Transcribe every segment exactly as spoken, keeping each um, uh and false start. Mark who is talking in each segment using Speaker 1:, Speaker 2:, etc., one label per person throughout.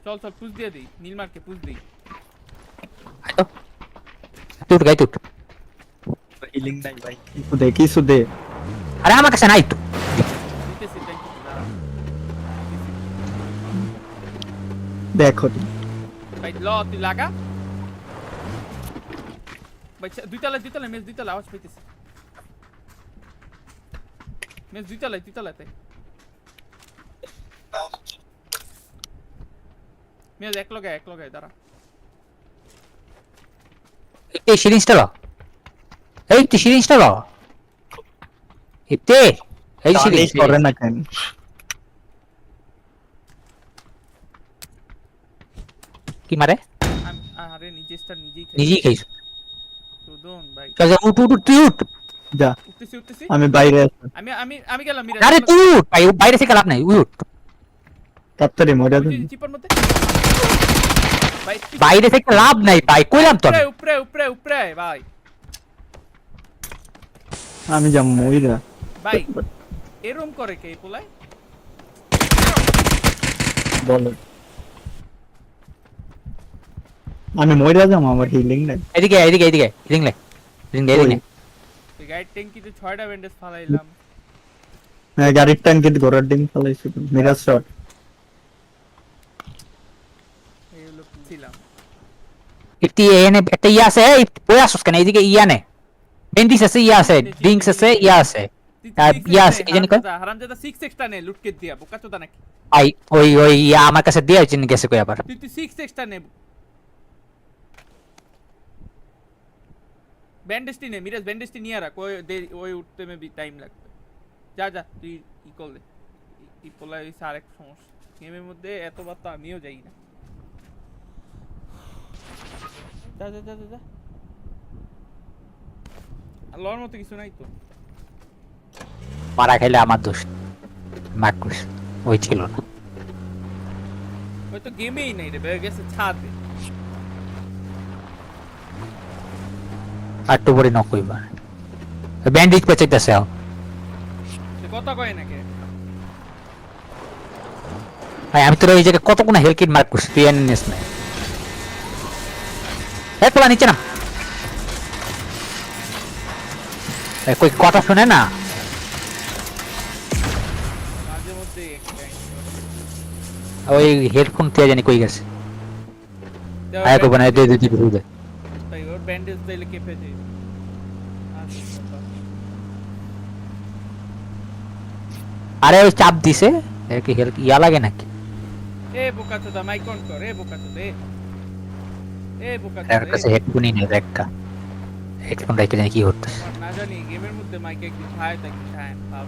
Speaker 1: চল চল পুশ দিয়ে দেই নীলমারকে পুশ দেই
Speaker 2: আইতো তুই গাই তুই
Speaker 3: হিলিং নাই ভাই কিছু দে কিছু দে
Speaker 2: আরে আমার কাছে নাই তো
Speaker 1: দিতেছি ট্যাঙ্ক
Speaker 3: দেখো
Speaker 1: ভাই ল তুই লাগা ভাই দুই তলা দুই তলা মেজ দুই তলা আওয়াজ পাইতেছি মেজ দুই তলা দুই তলাতে মেজ এক লগে এক লগে দাঁড়া
Speaker 2: এই সিরিঞ্জটা ল এই তুই সিরিঞ্জটা ল এতে এই সিরিঞ্জ
Speaker 3: করে না কেন
Speaker 2: কি মারে
Speaker 1: আমি আরে নিজে স্টার নিজেই খাই
Speaker 2: নিজেই খাইছ
Speaker 1: সুদন ভাই
Speaker 2: চল উঠ উঠ উঠ, তুই উঠ
Speaker 3: যা
Speaker 1: উঠতেছি উঠতেছি
Speaker 3: আমি বাইরে আছি
Speaker 1: আমি আমি আমি গেলাম মিরাজ
Speaker 2: আরে তুই উঠ ভাই বাইরে থেকে লাভ নাই উঠ
Speaker 3: তাড়াতাড়ি মরে
Speaker 1: ওই যে
Speaker 3: যান
Speaker 1: চিপার মধ্যে ভাই
Speaker 2: বাইরে থেকে লাভ নাই ভাই কইলাম তো
Speaker 1: উপরে
Speaker 2: আমি।
Speaker 1: উপরে উপরে উপরে ভাই
Speaker 3: আমি যা মইরা
Speaker 1: ভাই এরম করে কে পোলাই
Speaker 3: বলো আমি মইরা যাম আমার হিলিং নাই
Speaker 2: এদিকে এদিকে এদিকে রিং লে রিং দে রিং
Speaker 1: তুই গাইড ট্যাঙ্কিতে ছয়টা ব্যান্ডেজ ফালাইলাম
Speaker 3: হ্যাঁ গাড়ির ট্যাঙ্কিতে ঘোড়ার ডিম ফেলাইছি মিরাজ শট
Speaker 1: এই হলো ছিলাম
Speaker 2: একটি এনে একটা ইয়া আছে এই ওই আসছ কেন এদিকে ইয়া নে বেন্ডিস আছে ইয়া আছে ড্রিঙ্কস আছে ইয়া আছে আর ইয়া আছে এই জানি কই
Speaker 1: হারামজাদা সিক্স এক্সটা নে লুটকে দিয়া বোকাচোদা নাকি
Speaker 2: আই ওই ওই ইয়া আমার কাছে দিয়া চিনি গেছে কই আবার
Speaker 1: তুই তুই সিক্স এক্সটা নে ব্যান্ডেজটি নে মিরাজ ব্যান্ডেজটি নিয়ে রাখ ওই দে- ওই উঠতে মেবি টাইম লাগবে যা যা তুই ই কর দে ই পোলা এই আরেক সমস্যা গেমের মধ্যে এতবার তো আমিও যাই না যা যা যা যা, যা আর লওয়ার মতো কিছু নাই তো
Speaker 2: মারা খাইলে আমার দোষ মাকুস ওই ছিল না
Speaker 1: ওই তো গেমেই নাই রে বের গেছে ছাদে
Speaker 2: আর তো বড় নকইবা ব্যান্ডিজ পেচাইতাছে
Speaker 1: সে কথা কয় নাকি
Speaker 2: ভাই আমি তোর ওই জায়গায় কত কোন হেল কিট মার্ক করছি তুই এনে নিস না এই পোলা নিচে না এই কই কথা শুনে না
Speaker 1: মাঝে মধ্যে একটা
Speaker 2: ওই হেডফোন তে জানি কই গেছে
Speaker 1: দেও
Speaker 2: আয় কো বানাই দে দে দে দে
Speaker 1: ভাই ওর ব্যান্ডেজ দিলে কেঁপে যায়
Speaker 2: আরে ওই চাপ দিছে এর কি হেল ইয়া লাগে নাকি
Speaker 1: এ বোকাচোদা মাইক অন কর এ বোকাচোদা এ এ
Speaker 2: এর
Speaker 1: বোকাচোদা
Speaker 2: কাছে হেডফোনই নেই একটা হেডফোন রাইতে জানি কি হচ্ছে
Speaker 1: না জানি গেমের মধ্যে মাইক একদিন খায় তাই খায় ভাব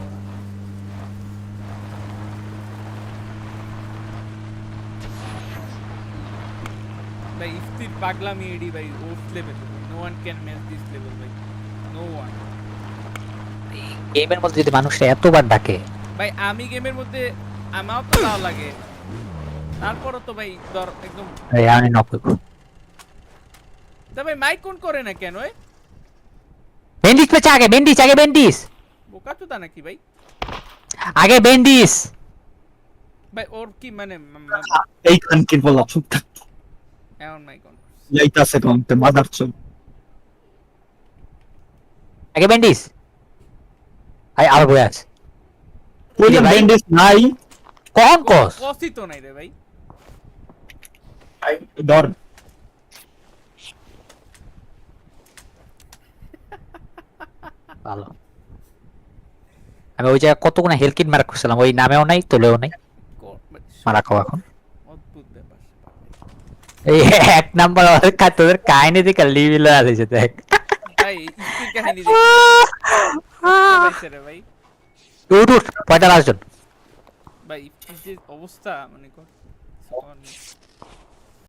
Speaker 1: ভাই ইফতির পাগলামি এডি ভাই of level no one can match this level ভাই নো ওয়ান
Speaker 2: গেমের মধ্যে যদি মানুষটা এতবার ডাকে
Speaker 1: ভাই আমি গেমের মধ্যে আমাও তো ভালো লাগে তারপরও তো ভাই ধর একদম
Speaker 2: এই আমি নকই
Speaker 1: তা ভাই মাইক অন করে না কেন এ
Speaker 2: বেন্ডিস পেছে আগে বেন্ডিস আগে বেন্ডিস
Speaker 1: বোকাচোদা নাকি ভাই
Speaker 2: আগে বেন্ডিস
Speaker 1: ভাই ওর কি মানে
Speaker 3: এই খানকির বলা চুপ থাক
Speaker 1: এমন মাইক অন
Speaker 3: যাইতাছে কোনতে মাদার চুপ
Speaker 2: আগে বেন্ডিস আই আর বয় আছে
Speaker 3: ওই যে
Speaker 2: ভাই?
Speaker 3: ব্যান্ডেজ নাই
Speaker 2: কোন কস
Speaker 1: কসই তো নাই রে ভাই
Speaker 3: ধর
Speaker 2: ভালো আমি ওই জায়গায় কতগুলো হেল কিট মারা করছিলাম ওই নামেও নাই তোলেও নাই
Speaker 1: ক- ভাই,
Speaker 2: মারা খাও এখন
Speaker 1: অদ্ভুত ব্যাপার
Speaker 2: এই এক নাম্বার ওদের কা তোদের কাহিনী দেখে লিভিলে আসছে দেখ
Speaker 1: ভাই ইফতির কাহিনী দেখতে রে ভাই
Speaker 2: উঠ উঠ পয়টা আসজন
Speaker 1: ভাই ইফতির যে অবস্থা মানে কর